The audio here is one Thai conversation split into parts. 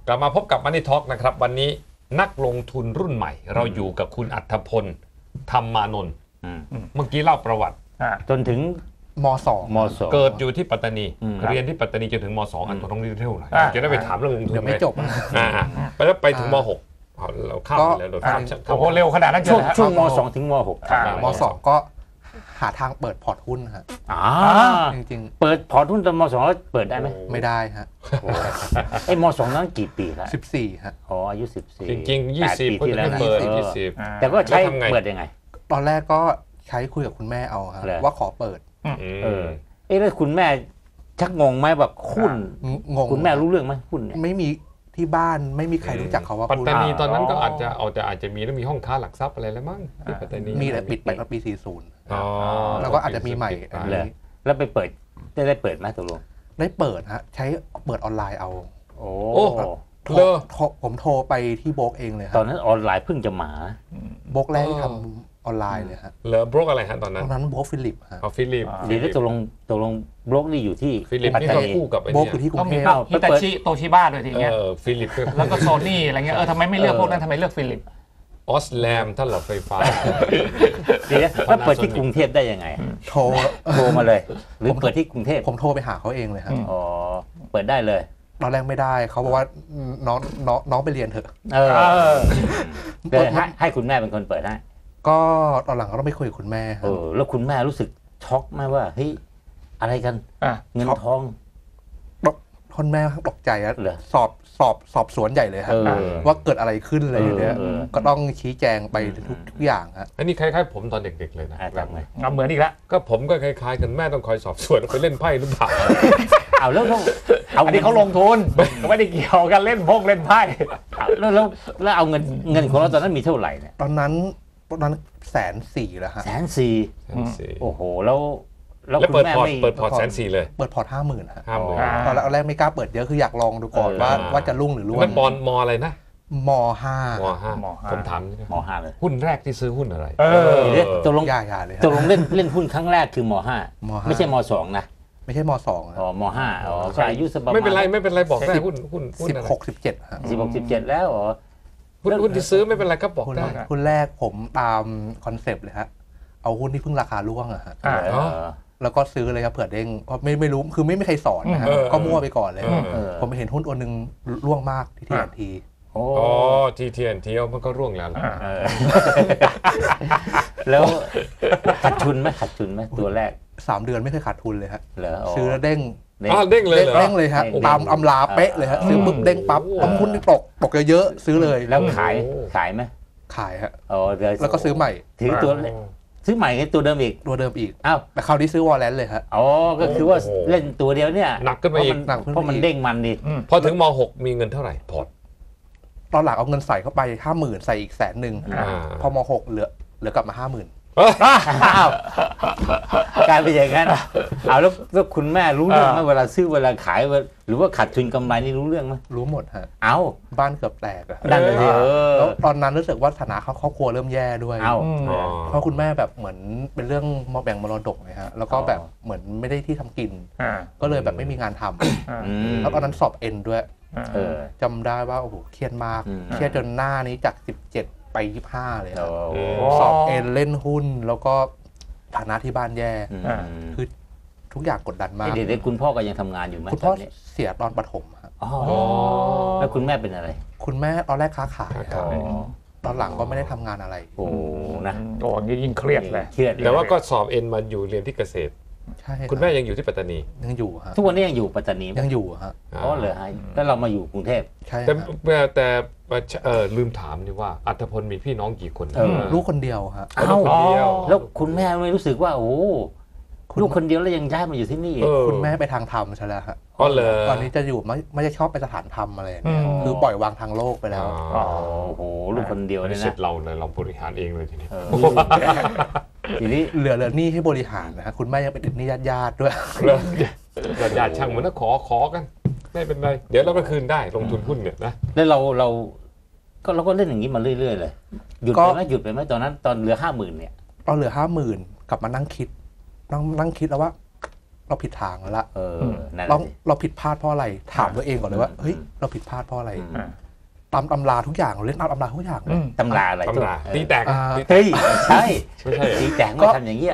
กลับมาพบกับ Money Talk นะครับวันนี้นักลงทุนรุ่นใหม่เราอยู่กับคุณอัธพลธรรมานนท์เมื่อกี้เล่าประวัติจนถึงม.2 เกิดอยู่ที่ปัตตานีเรียนที่ปัตตานีจนถึงม.2 อันต้องเรียนเท่าไหร่จะได้ไปถามเรื่องลงทุนเดี๋ยวไม่จบแล้วไปถึงม.6เราข้ามไปแล้วเราข้ามโอ้โหเร็วขนาดนั้นช่วงม .2 ถึงม.6 ม.2 ก็หาทางเปิดพอร์ตหุ้นฮะจริงๆเปิดพอร์ตหุ้นตอนม.2 แล้วเปิดได้ไหมไม่ได้ฮะไอ้ม.2 นั้นกี่ปีครับ 14ฮะอ๋ออายุ14 จริงๆ20ปีที่แล้วเปิด20 แต่ก็ใช้เปิดยังไงตอนแรกก็ใช้คุยกับคุณแม่เอาครับว่าขอเปิดแล้วคุณแม่ชักงงไหมแบบหุ้นงงคุณแม่รู้เรื่องไหมหุ้นเนี่ยไม่มีที่บ้านไม่มีใครรู้จักเขาว่าปัตตานีตอนนั้นก็อาจจะมีแล้วมีห้องค้าหลักทรัพย์อะไรแล้วมั้งที่ปัตตานีมีแต่ปิดไปตอนปี40แล้วก็อาจจะมีใหม่แล้วไปเปิดได้เปิดไหมตกลงได้เปิดฮะใช้เปิดออนไลน์เอาโอ้ผมโทรไปที่โบล็อกเองเลยครับตอนนั้นออนไลน์เพิ่งจะมาโบล็อกแรกที่ทำออนไลน์เลยฮะเหลือบล็อกอะไรฮะตอนนั้นโบล็อกฟิลิปฮะฟิลิปนี่แล้วตกลงบล็อกนี่อยู่ที่ฟิลิปนี่ก็คู่กับไอ้เนี่ยอยู่ที่กรุงเทพฮิตาชิโตชิบ้าด้วยทีเงี้ยฟิลิปแล้วก็โซนี่อะไรเงี้ยทำไมไม่เลือกพวกนั้นทำไมเลือกฟิลิปออสแลมท่านหลอดไฟฟ้าดีนะแล้วเปิดที่กรุงเทพได้ยังไงโทรมาเลยหรือเปิดที่กรุงเทพผมโทรไปหาเขาเองเลยครับอ๋อเปิดได้เลยตอนแรกไม่ได้เขาบอกว่าน้องไปเรียนเถอะให้คุณแม่เป็นคนเปิดให้ก็ตอนหลังก็ต้องไปคุยกับคุณแม่แล้วคุณแม่รู้สึกช็อกไหมว่าเฮ้ยอะไรกันเงินทองคุณแม่ตกใจอะสอบสวนใหญ่เลยครับว่าเกิดอะไรขึ้นอะไรอย่างเงี้ยก็ต้องชี้แจงไปทุกอย่างครับอันนี้คล้ายๆผมตอนเด็กๆเลยนะเหมือนอีกแล้วก็ผมก็คล้ายๆกันแม่ต้องคอยสอบสวนไปเล่นไพ่หรือเปล่าเอาแล้วอันนี้เขาลงทุนไม่ได้เกี่ยวกันเล่นไพ่แล้วเอาเงินของเราตอนนั้นมีเท่าไหร่เนี่ยตอนนั้น140,000แล้วฮะ 140,000โอ้โหแล้วคุณแม่เปิดพอร์ต140,000เลยเปิดพอร์ต50,000ตอนแรกไม่กล้าเปิดเยอะคืออยากลองดูก่อนว่าจะรุ่งหรือร่วงมันบอลมออะไรนะม.5 ผมถามม.5เลยหุ้นแรกที่ซื้อหุ้นอะไรตกลงเลยตกลงเล่นหุ้นครั้งแรกคือม.5ไม่ใช่ม.2นะไม่ใช่ม.2 อ๋อม.5อ๋อก็อายุสบายไม่เป็นไรบอกได้หุ้น 16-17ฮะ 16-17แล้วอ๋อหุ้นที่ซื้อไม่เป็นไรก็บอกได้หุ้นแรกผมตามคอนเซปต์เลยฮะเอาหุ้นที่เพิ่งราคาร่วงอะฮะแล้วก็ซื้อเลยครับเผื่อเด้งก็ไม่รู้คือไม่มีใครสอนนะฮะก็มั่วไปก่อนเลยผมไปเห็นหุ้นตัวนึงร่วงมากที่ TNT อ๋อTNTมันก็ร่วงแล้วแล้วขาดทุนไหมตัวแรก 3 เดือนไม่เคยขาดทุนเลยฮะซื้อแล้วเด้งเลยฮะตามอำลาเป๊ะเลยฮะซื้อปุ๊บเด้งปั๊บหุ้นที่ตกเยอะๆซื้อเลยแล้วขายไหมขายฮะแล้วก็ซื้อใหม่ถือตัวซื้อใหม่ตัวเดิมอีกอ้าวแต่คราวนี้ซื้อวอลเลนเลยฮะอ๋อก็คือว่าเล่นตัวเดียวเนี่ยหนักขึ้นมาอีกเพราะมันเด้งมันดิพอถึงม.6 มีเงินเท่าไหร่พอร์ตตอนหลังเอาเงินใส่เข้าไป50,000ใส่อีก100,000พอม.6เหลือกลับมา50,000 กลายเป็นอย่างนั้นเอาแล้วคุณแม่รู้เรื่องไหมเวลาซื้อเวลาขายหรือว่าขาดทุนกำไรนี่รู้เรื่องไหมรู้หมดฮะเอาบ้านเกือบแตกอะนั่นเลยแล้วตอนนั้นรู้สึกว่าฐานะครอบครัวเริ่มแย่ด้วยเพราะคุณแม่แบบเหมือนเป็นเรื่องแบ่งมรดกเลยฮะแล้วก็แบบเหมือนไม่ได้ที่ทำกินก็เลยแบบไม่มีงานทำแล้วตอนนั้นสอบเอ็นด้วยจำได้ว่าโอ้โหเครียดมากเครียดจนหน้านี้จาก17ไป25เลยสอบเอ็นเล่นหุ้นแล้วก็ฐานะที่บ้านแย่คือทุกอย่างกดดันมากเด็กๆคุณพ่อก็ยังทำงานอยู่ไหมคุณพ่อเสียตอนประถมครับแล้วคุณแม่เป็นอะไรคุณแม่ตอนแรกค้าขายตอนหลังก็ไม่ได้ทำงานอะไรโอ้นะโอ้ยิ่งเครียดเลยแต่ว่าก็สอบเอ็นมาอยู่เรียนที่เกษตรใช่คุณแม่ยังอยู่ที่ปัตตานียังอยู่ฮะทุกวันนี้ยังอยู่ปัตตานียังอยู่ฮะอ๋อเหรอฮะแล้วเรามาอยู่กรุงเทพใช่แต่ลืมถามนี่ว่าอัธพลมีพี่น้องกี่คนลูกคนเดียวฮะลูกคนเดียวแล้วคุณแม่ไม่รู้สึกว่าโอ้ลูกคนเดียวแล้วยังย้ายมาอยู่ที่นี่คุณแม่ไปทางธรรมใช่แล้วฮะตอนนี้จะอยู่ไม่ได้ชอบไปสถานธรรมอะไรเนี่ยคือปล่อยวางทางโลกไปแล้วโอ้โหลูกคนเดียวเนี่ยนะเสร็จเราเลยเราบริหารเองเลยทีนี้ทีนี้เหลือหนี้ให้บริหารนะฮะคุณแม่ยังเป็นหนี้ญาติด้วยญาติช่างเหมือนนะขอกันไม่เป็นไรเดี๋ยวเราก็คืนได้ลงทุนหุ้นเนี่ยนะแล้วเราก็เล่นอย่างนี้มาเรื่อยๆเลยหยุดไปไหมตอนนั้นตอนเหลือ50,000เนี่ยตอนเหลือ50,000กลับมานั่งคิดแล้วว่าเราผิดทางแล้วล่ะนั่นเราผิดพลาดเพราะอะไรถามตัวเองก่อนเลยว่าเฮ้ยเราผิดพลาดเพราะอะไรตามตำราทุกอย่างเราเล่นตามตำราทุกอย่างเลยตำราอะไรตำราตีแตกเฮ้ยใช่ไม่ใช่ตีแตกไม่ทำอย่างเงี้ย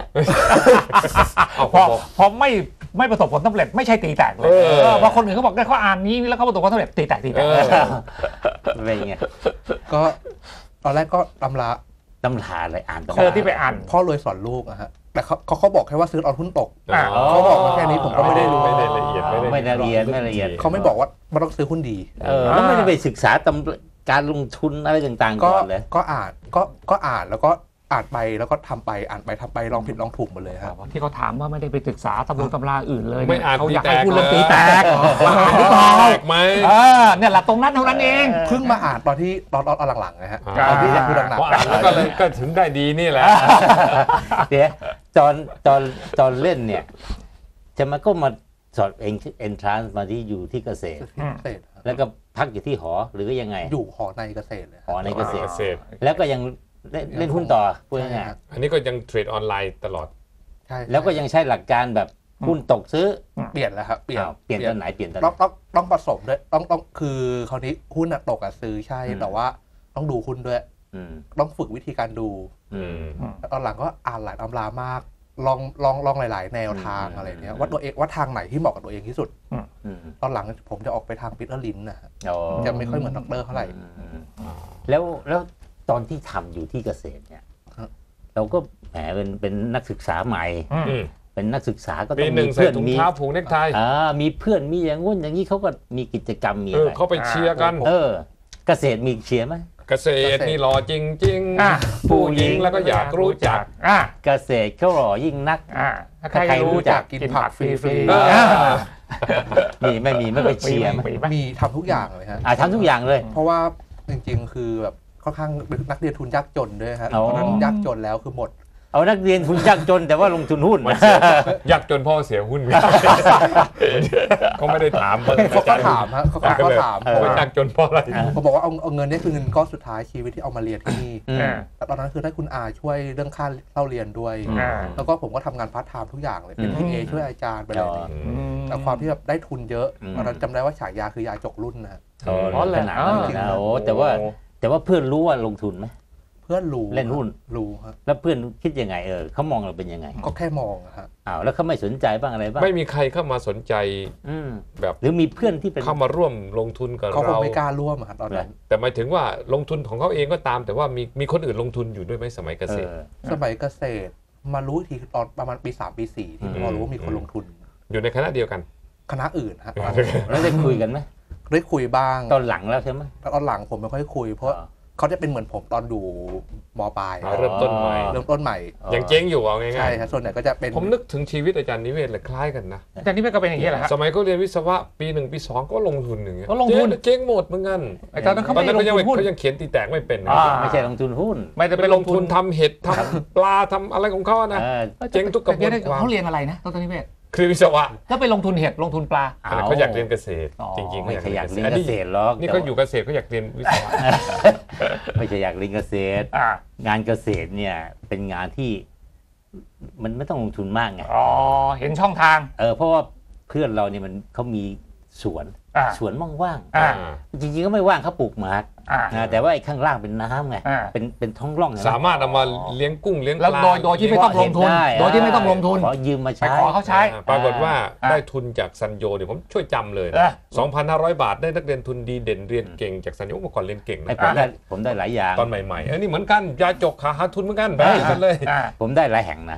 พอไม่ประสบผลสำเร็จไม่ใช่ตีแตกเลยเพราะคนอื่นเขาบอกได้เขาอ่านนี้แล้วเขาประสบความสำเร็จตีแตกอะไรเงี้ยก็ตอนแรกก็ตำราอะไรอ่านตำราที่ไปอ่านพ่อรวยสอนลูกอะฮะแต่เขาบอกแค่ว่าซื้อตอนหุ้นตกเขาบอกมาแค่นี้ผมก็ไม่ได้รู้ไม่ละเอียดไม่ละเอียดเขาไม่บอกว่ามันต้องซื้อหุ้นดีแล้วไม่ได้ไปศึกษาการลงทุนอะไรต่างๆก่อนเลยก็อ่านแล้วก็อ่านไปแล้วก็ทำไปอ่านไปทำไปลองผิดลองถูกหมดเลยครับที่เขาถามว่าไม่ได้ไปศึกษาตำราอื่นเลยไม่อ่านเขาอยากให้พูดเรื่องตีแตกไหมเนี่ยหลักตรงนั้นเท่านั้นเองเพิ่งมาอ่านตอนที่ตอนหลังๆนะฮะตอนที่พูดหนักๆอ่านแล้วก็เลยก็ถึงได้ดีนี่แหละเดี๋ยวตอนเล่นเนี่ยจะมาก็มาสอบเอนทรานซ์มาที่อยู่ที่เกษตรแล้วก็พักอยู่ที่หอหรือยังไงอยู่หอในเกษตรเลยหอในเกษตรแล้วก็ยังเล่นหุ้นต่อพูดง่ายๆอันนี้ก็ยังเทรดออนไลน์ตลอดใช่แล้วก็ยังใช้หลักการแบบหุ้นตกซื้อเปลี่ยนแล้วครับเปลี่ยนตอนไหนเปลี่ยนตอนต้องผสมด้วยต้องคือคราวนี้หุ้นตกซื้อใช่แต่ว่าต้องดูหุ้นด้วยต้องฝึกวิธีการดูตอนหลังก็อ่านหลายตำรามากลองหลายๆแนวทางอะไรเนี้ยว่าตัวเองว่าทางไหนที่เหมาะกับตัวเองที่สุดตอนหลังผมจะออกไปทางปีเตอร์ลินนะจะไม่ค่อยเหมือนด็อกเตอร์เท่าไหร่แล้วตอนที่ทำอยู่ที่เกษตรเนี่ยเราก็แหมเป็นนักศึกษาใหม่เป็นนักศึกษาก็ต้องมีเพื่อนมีถุงเท้าผูกเนคไทมีเพื่อนมีอย่างงู้นอย่างนี้เขาก็มีกิจกรรมมีอะไรเขาไปเชียร์กันเกษตรมีเชียร์ไหมเกษตรนี่หล่อจริงๆผู้หญิงแล้วก็อยากรู้จักเกษตรเขาหล่อยิ่งนักใครรู้จักกินผักฟรีๆไม่ไปเชียร์มีทำทุกอย่างเลยฮะทำทุกอย่างเลยเพราะว่าจริงๆคือแบบค่อนข้างนักเรียนทุนยากจนด้วยครับตอนนั้นยากจนแล้วคือหมดเอานักเรียนทุนยากจนแต่ว่าลงทุนหุ้นยากจนพ่อเสียหุ้นเขาไม่ได้ถามเขาก็ถามฮะเขาถามว่ายากจนเพราะอะไรเขาบอกว่าเอาเงินนี่คือเงินก้อนสุดท้ายชีวิตที่เอามาเรียนที่นี่แต่ตอนนั้นคือได้คุณอาช่วยเรื่องค่าเล่าเรียนด้วยแล้วก็ผมก็ทำงานพาร์ทไทม์ทุกอย่างเลยเป็นที่ช่วยอาจารย์ไปเลยแต่ความที่แบบได้ทุนเยอะตอนนั้นจำได้ว่าฉายาคือยาจกรุ่นนะอ๋อเลยนะโอ้แต่ว่าเพื่อนรู้ว่าลงทุนไหมเพื่อนรู้เล่นหุ้นรู้ครับแล้วเพื่อนคิดยังไงเขามองเราเป็นยังไงก็แค่มองครับแล้วเขาไม่สนใจบ้างอะไรบ้างไม่มีใครเข้ามาสนใจแบบหรือมีเพื่อนที่เป็นเข้ามาร่วมลงทุนกับเราเขาไม่กล้าร่วมครับตอนนั้นแต่หมายถึงว่าลงทุนของเขาเองก็ตามแต่ว่ามีคนอื่นลงทุนอยู่ด้วยไหมสมัยเกษตรสมัยเกษตรมารู้ทีตอนประมาณปี 3 ปี 4ที่พอรู้ว่ามีคนลงทุนอยู่ในคณะเดียวกันคณะอื่นฮะแล้วได้คุยกันไหมได้คุยบ้างตอนหลังแล้วใช่ไหมตอนหลังผมไม่ค่อยคุยเพราะเขาจะเป็นเหมือนผมตอนดูม.ปลายเริ่มต้นใหม่ยังเจ๊งอยู่เอาง่ายๆใช่ครับส่วนใหญ่ก็จะเป็นผมนึกถึงชีวิตอาจารย์นิเวศเลยคล้ายกันนะอาจารย์นิเวศก็เป็นอย่างนี้แหละครับสมัยเขาเรียนวิศวะปี 1 ปี 2ก็ลงทุนอย่างเงี้ยก็ลงทุนเจ๊งหมดเหมือนกันตอนนั้นเขายังเขียนตีแตกไม่เป็นไม่ใช่ลงทุนหุ้นไม่ได้ไปลงทุนทำเห็ดทำปลาทำอะไรของเขานะเจ๊งทุกกระบวนการเขาเรียนอะไรนะตอนนิเวศคือวิศวะก็ไปลงทุนเห็ดลงทุนปลาเขาอยากเรียนเกษตรจริงๆไม่ใช่อยากเรียนเกษตรหรอกนี่เขาอยู่เกษตรเขาอยากเรียนวิศวะไม่ใช่อยากเรียนเกษตรงานเกษตรเนี่ยเป็นงานที่มันไม่ต้องลงทุนมากไงเห็นช่องทางเพราะว่าเพื่อนเราเนี่ยเขามีสวนว่างๆจริงๆก็ไม่ว่างเขาปลูกหมากแต่ว่าไอ้ข้างล่างเป็นน้ำไงเป็นท้องร่องสามารถเอามาเลี้ยงกุ้งเลี้ยงปลาโดยที่ไม่ต้องลงทุนโดยที่ไม่ต้องลงทุนขอยืมมาใช้ขอเขาใช้ปรากฏว่าได้ทุนจากซันโยเดี๋ยวผมช่วยจำเลย 2,500 บาทได้นักเรียนทุนดีเด่นเรียนเก่งจากซันโยเมื่อก่อนเรียนเก่งนะผมได้หลายอย่างตอนใหม่ๆอันนี้เหมือนกันยาจกหาทุนเหมือนกันแบบกันเลยผมได้หลายแห่งนะ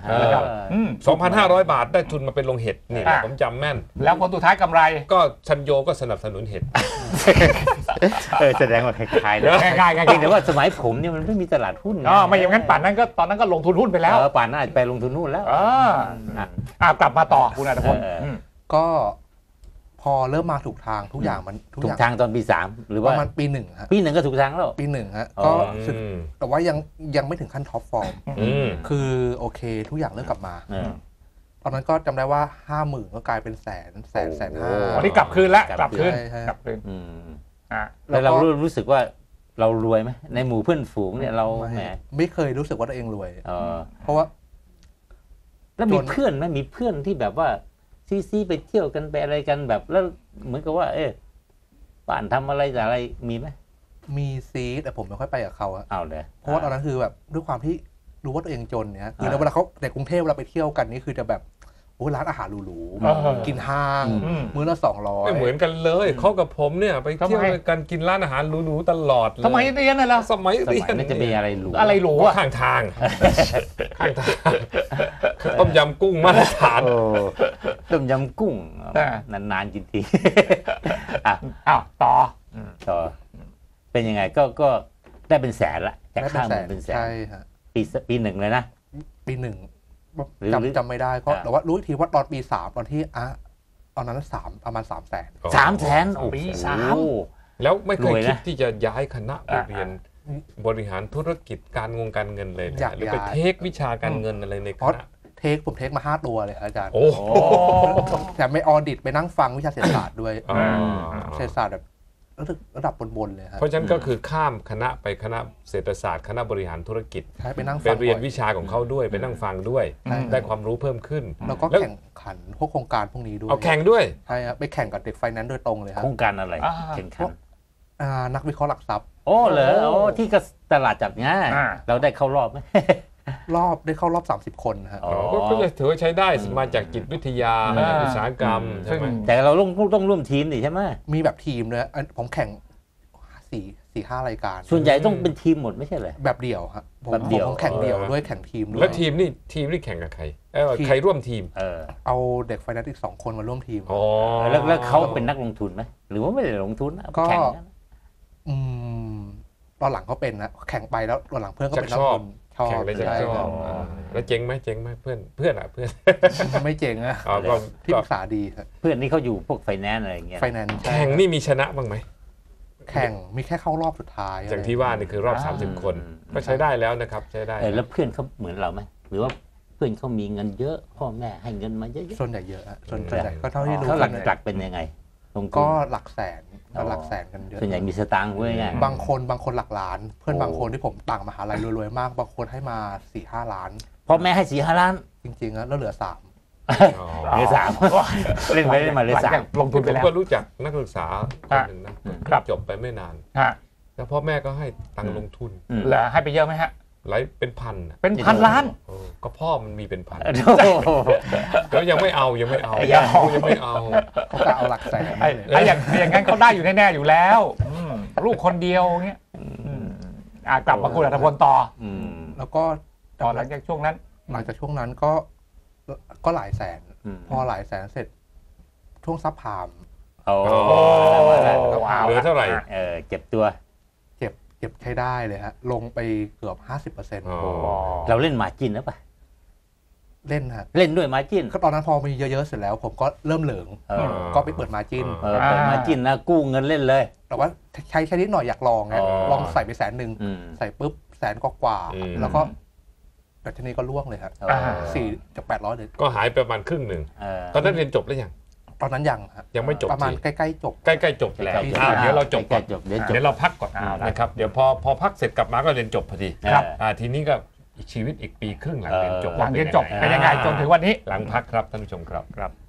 2,500 บาทได้ทุนมาเป็นโรงเห็ดนี่ผมจำแม่นแล้วผลสุดท้ายกำไรก็ซันโยก็สนับสนุนเห็ดแสดงว่าคล้ายๆนะคล้ายๆแต่ว่าสมัยผมเนี่ยมันไม่มีตลาดหุ้นไม่อย่างนั้นป่านนั้นก็ตอนนั้นก็ลงทุนหุ้นไปแล้วป่านนั้นไปลงทุนหุ้นแล้วกลับมาต่อคุณอัตพลก็พอเริ่มมาถูกทางทุกอย่างมันถูกทางตอนปี 3หรือว่าประมาณปี 1ฮะปี 1ก็ถูกทางแล้วปี 1ฮะก็แต่ว่ายังไม่ถึงขั้นท็อปฟอร์มคือโอเคทุกอย่างเริ่มกลับมาตอนนั้นก็จำได้ว่า 50,000 ก็กลายเป็นแสน5 วันนี้กลับคืนแล้วกลับคืนแล้วเรารู้สึกว่าเรารวยไหมในหมู่เพื่อนฝูงเนี่ยเราแหมไม่เคยรู้สึกว่าตัวเองรวยเพราะว่าแล้วมีเพื่อนไหมมีเพื่อนที่แบบว่าซีไปเที่ยวกันไปอะไรกันแบบแล้วเหมือนกับว่าบ้านทำอะไรแต่อะไรมีไหมมีซีแต่ผมไม่ค่อยไปกับเขาอะเอาเลยเพราะว่าตอนนั้นคือแบบด้วยความที่รู้ว่าตัวเองจนเนี่ยคือเวลาเขาในกรุงเทพเวลาไปเที่ยวกันนี่คือจะแบบโอ้ร้านอาหารหรูๆกินห้างมื้อละ200 ไม่เหมือนกันเลยเขากับผมเนี่ยไปเที่ยวกันกินร้านอาหารหรูๆตลอดเลยสมัยเรียนน่ะเหรอสมัยเรียนมันจะมีอะไรหรูอะไรหรูอะข้างทางต้มยำกุ้งมาตรฐานต้มยำกุ้งนานๆกินทีอ้าวต่อเป็นยังไงก็ได้เป็นแสนละจากข้ามเป็นแสนใช่ฮะปีหนึ่งเลยนะปีหนึ่งจำไม่ได้ก็แต่ว่ารู้ทีว่าตอนปี3ตอนที่ตอนนั้นประมาณ300,000 300,000โอ้ปี3 แล้วไม่เคยคิดที่จะย้ายคณะไปเรียนบริหารธุรกิจการเงินเลยหรือไปเทควิชาการเงินอะไรในคณะผมเทคมา5 ตัวเลยอาจารย์โอ้แต่ไม่ออดิตไปนั่งฟังวิชาเศรษฐศาสตร์ด้วยเศรษฐศาสตร์แบบระดับบนๆเลยครับเพราะฉะนั้นก็คือข้ามคณะไปคณะเศรษฐศาสตร์คณะบริหารธุรกิจไปนั่งไปเรียนวิชาของเขาด้วยไปนั่งฟังด้วยได้ความรู้เพิ่มขึ้นแล้วก็แข่งขันพวกโครงการพวกนี้ด้วยเอาแข่งด้วยใช่ครับไปแข่งกับเด็กไฟแนนซ์โดยตรงเลยครับโครงการอะไรแข่งขันนักวิเคราะห์หลักทรัพย์โอ้เหรอที่ตลาดจัดง่ายเราได้เข้ารอบไหมได้เข้ารอบ30 คนฮะก็จะถือว่าใช้ได้มาจากจิตวิทยาอุตสาหกรรมใช่ไหมแต่เราต้องร่วมทีมดิใช่ไหมมีแบบทีมเลยผมแข่ง4-5 รายการส่วนใหญ่ต้องเป็นทีมหมดไม่ใช่เหรอแบบเดี่ยวครับแบบเดี่ยวผมแข่งเดี่ยวด้วยแข่งทีมด้วยแล้วทีมนี่แข่งกับใครใครร่วมทีมเอาเด็กไฟแนนซ์อีก2 คนมาร่วมทีมแล้วเขาเป็นนักลงทุนไหมหรือว่าไม่ได้ลงทุนก็ตอนหลังเขาเป็นนะแข่งไปแล้วตอนหลังเพื่อนก็เป็นนักลงทุนแข่งเลยจะชอบแล้วเจ๊งไหมเพื่อนไม่เจ๊งอะที่ปรึกษาดีครับเพื่อนนี่เขาอยู่พวกไฟแนนซ์อะไรอย่างเงี้ยไฟแนนซ์แข่งนี่มีชนะบ้างไหมแข่งมีแค่เข้ารอบสุดท้ายอย่างที่ว่านี่คือรอบ30 คนก็ใช้ได้แล้วนะครับใช้ได้แล้วเพื่อนเขาเหมือนเราไหมหรือว่าเพื่อนเขามีเงินเยอะพ่อแม่ให้เงินมาเยอะส่วนใหญ่เยอะส่วนใหญ่ก็เท่าที่รู้เขาหลักเป็นยังไงก็หลักแสนกันเยอะส่วนใหญ่มีสตางค์ด้วยไงบางคนหลักล้านเพื่อนบางคนที่ผมต่างมหาลัยรวยๆมากบางคนให้มา 4-5 ล้านพ่อแม่ให้ 4-5 ล้านจริงๆแล้วเหลือ3 เหลือ3เล่นไปเล่นมาเหลือ3 ลงทุนไปแล้วก็รู้จักนักศึกษาคนหนึ่งนะจบไปไม่นานแล้วพ่อแม่ก็ให้ตังค์ลงทุนแล้วให้ไปเยอะไหมฮะหลายเป็นพันล้านก็พ่อมันมีเป็นพันแล้วยังไม่เอาเขาก็เอาหลักแสนอย่างนั้นเขาได้อยู่แน่ๆอยู่แล้วลูกคนเดียวเงี้ยกลับมาคุณอัธพลต่อแล้วก็หลังจากช่วงนั้นก็หลายแสนพอหลายแสนเสร็จช่วงซับพามเหลือเท่าไหร่เก็บตัวเก็บใช้ได้เลยฮะลงไปเกือบ 50% เราเล่นมาจิ้นหรือเปล่าเล่นฮะเล่นด้วยมาจิ้นตอนนั้นพอมีเยอะๆเสร็จแล้วผมก็เริ่มเหลืองก็ไปเปิดมาจิ้นเปิดมาจิ้นนะกู้เงินเล่นเลยแต่ว่าใช้นิดหน่อยอยากลองไงลองใส่ไป100,000ใส่ปุ๊บ100,000 กว่าแล้วก็แต่ทีนี้ก็ล่วงเลยครับ4 จาก 800เลยก็หายประมาณครึ่งหนึ่งตอนนั้นเรียนจบแล้วตอนนั้นยังไม่จบประมาณใกล้ๆจบแล้วเดี๋ยวเราจบก่อนเดี๋ยวเราพักก่อนนะครับเดี๋ยวพอพักเสร็จกลับมาก็เรียนจบพอดีทีนี้ก็ชีวิตอีกปีครึ่งหลังเรียนจบเป็นยังไงจนถึงวันนี้หลังพักครับท่านผู้ชมครับ